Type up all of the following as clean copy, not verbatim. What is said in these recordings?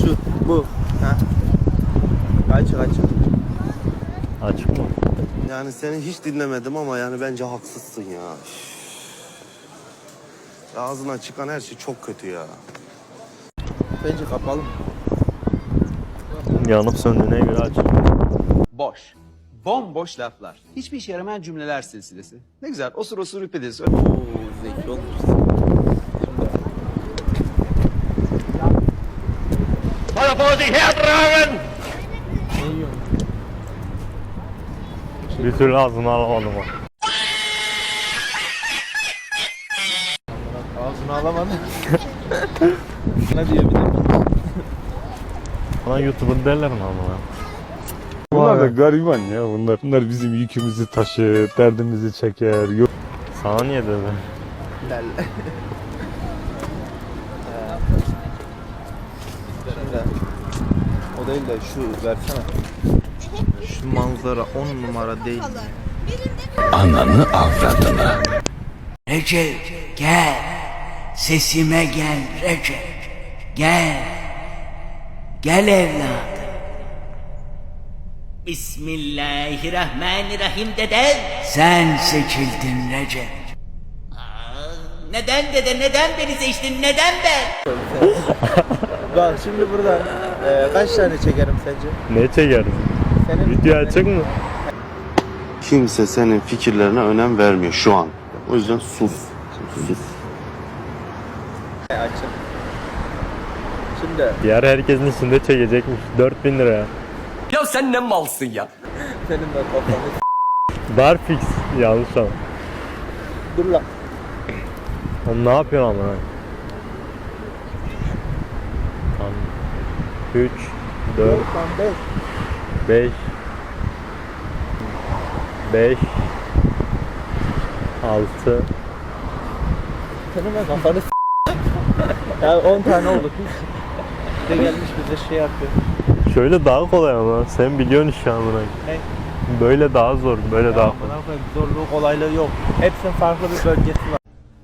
Şu, bu. Ha? Açık. Açık mı? Yani seni hiç dinlemedim ama yani bence haksızsın ya. Ağzına çıkan her şey çok kötü ya. Bence kapalı mı? Yanıp söndüğüne göre açık. Boş. Bomboş laflar. Hiçbir işe yaramayan cümleler silsilesi. Ne güzel. Osur osur üpedesi. Oo, zeki olmuş. Bir türlü ağzını alamadım o. Ağzını alamadı. Ne diyor bir de? Bana YouTube'un derler mi ama? Bunlar da gariban ya bunlar. Bunlar bizim yükümüzü taşır, derdimizi çeker. Yok. Sana niye dedi? Del. Şimdi o değil de şu versene. Şu manzara 10 numara değil. Recep gel, sesime gel Recep, gel, gel evladım. Bismillahirrahmanirrahim dedem. Sen seçildin Recep. Neden dede, neden beni seçtin, neden ben? Bak şimdi burada kaç tane çekerim sence? Ne çekeriz? Senin Video açık mı? Kimse senin fikirlerine önem vermiyor şu an. O yüzden sus. Sus. açık. Şimdi Diğer herkesin içinde çekecekmiş. 4000 lira. Ya sen ne malsın ya? senin de kafanı Barfix yanlış ama. dur lan. Oğlum ne yapıyorsun ama? Tamam. 3, 4, Lan 5. 5, 6. Senin ben kafanı ya 10 tane oldu. Bir de gelmiş bize şey yapıyor. Şöyle daha kolay ama. Sen biliyorsun iş amına. Ne? Böyle daha zor, böyle daha kolay. Bana koyayım, zorluğu kolaylığı yok. Hepsinin farklı bir bölgesi var.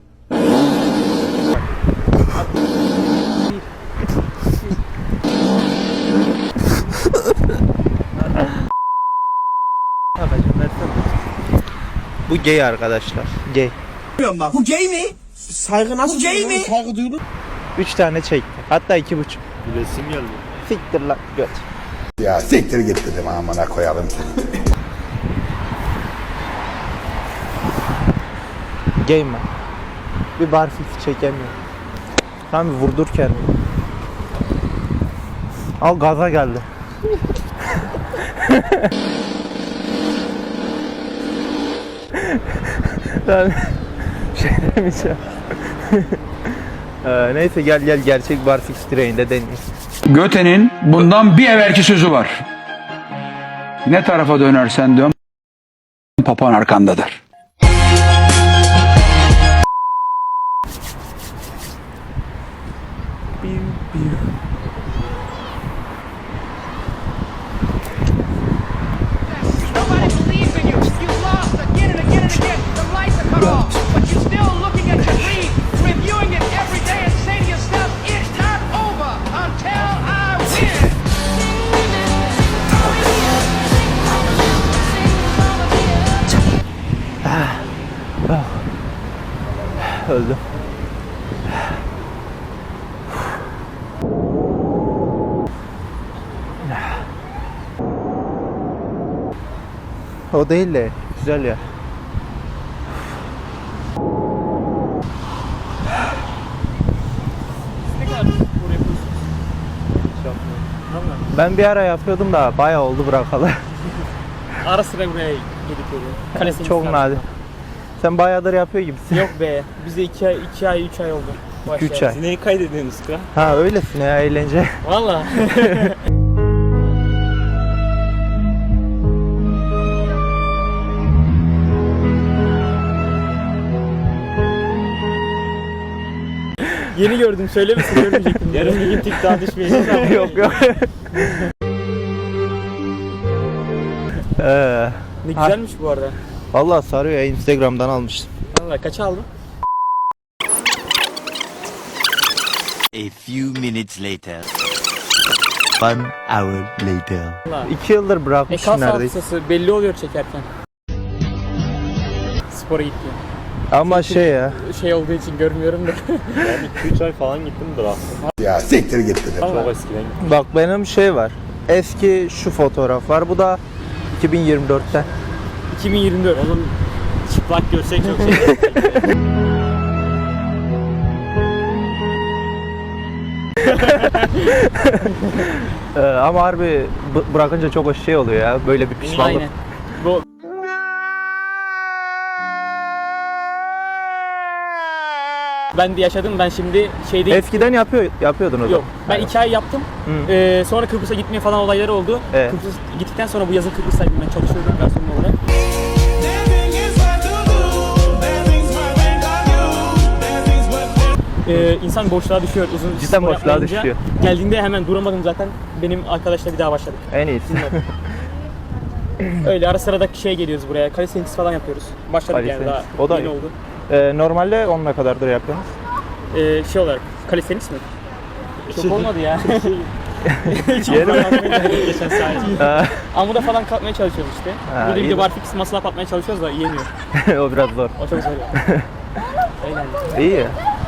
Bu gay arkadaşlar. Gay. Bu gay mi? Saygı nasıl? Bu gay mi? Saygı duyulur. 3 tane çekti. Hatta 2,5. Resim geldi. Siktir lan göt. Ya siktir git dedim amına koyalım seni. Gay mi? Bir barfix çekemiyor. Tam bir vurdur kendini. Al gaza geldi. Ben şey demeyeceğim. Neyse gel gerçek barfix direğinde deneyiz. Göte'nin bundan bir evvelki sözü var. Ne tarafa dönersen dön, papan arkandadır. Nobody believes in you. You lost again and again and again. The lights are cut off, but you're still looking at your dream, reviewing it every day and saying to yourself, it's not over until I win. Öldüm. O değil de güzel ya. Ben bir ara yapıyordum da bayağı oldu bırakalı. Ara sıra buraya gelip geliyor. Çok nadir. Sen bayağıdır yapıyor gibisin. Yok be. Bize 2 ay 3 ay oldu. 2-3 ay. Neyi kaydediyorsunuz kral? Ha öylesin ya eğlence. Valla. Yeni gördüm, söylemesin görmeyecektim. Yarın bir gün TikTok'a düşmeyeceğiz. Yok. Ne güzelmiş bu arada. Vallahi sarıyor ya, Instagram'dan almıştım. Valla kaç aldın? A few minutes later. One hour later. 2 yıldır bırakmış Kas neredeyse. hafızası belli oluyor çekerken. Spora gitti. Ama şey ya. Şey olduğu için görmüyorum da. Ben 2-3 ay falan gittimdir aslında. Ya siktir git dedim. Çok eskiden gittim. Bak benim şey var. Eski şu fotoğraf var. Bu da 2024'ten. 2024. Oğlum çıplak görsek çok şey. Ama harbi bırakınca çok şey oluyor ya. Böyle bir pişmanlık. Aynen. Bu ben de yaşadım. Ben şimdi şeyde Eskiden yapıyordun o zaman. yok. Ben 2 ay yaptım. Sonra Kıbrıs'a gitmeye falan olayları oldu. Evet. Kıbrıs'a gittikten sonra bu yazın Kıbrıs'taydım, ben çalışıyordum garson olarak. İnsan boşluğa düşüyor uzun Cidden spor boşluğa yapmayınca. düşüyor. Geldiğinde hemen duramadım zaten. Benim arkadaşla bir daha başladık. En iyisi. Öyle ara sıra da şey geliyoruz buraya. Calisthenics falan yapıyoruz. Başladık yani daha O da yeni iyi. oldu. Normalde onunla kadardır yapıyorsunuz. Şey olarak calisthenics mi? Çok olmadı ya. Geçen saat. Amuda falan kalkmaya çalışıyoruz işte. Burada bir iyi de de. barfix muscle up yapmaya çalışıyoruz da yiyemiyor. O biraz zor. O çok zor ya. Eğlenceli. İyi ya.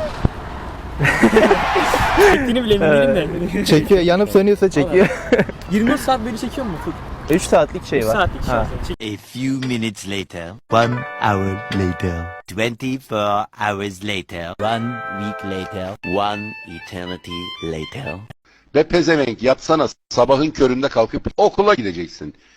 Çektiğini bile emin değilim de. Çekiyor. Yanıp sönüyorsa çekiyor. 24 saat böyle çekiyor mu? 3 saatlik şey 3 var. saatlik şey. Ha. A few minutes later. 1 hour later. 24 hours later. 1 week later. 1 eternity later. Ve pezevenk yatsana sabahın köründe kalkıp okula gideceksin.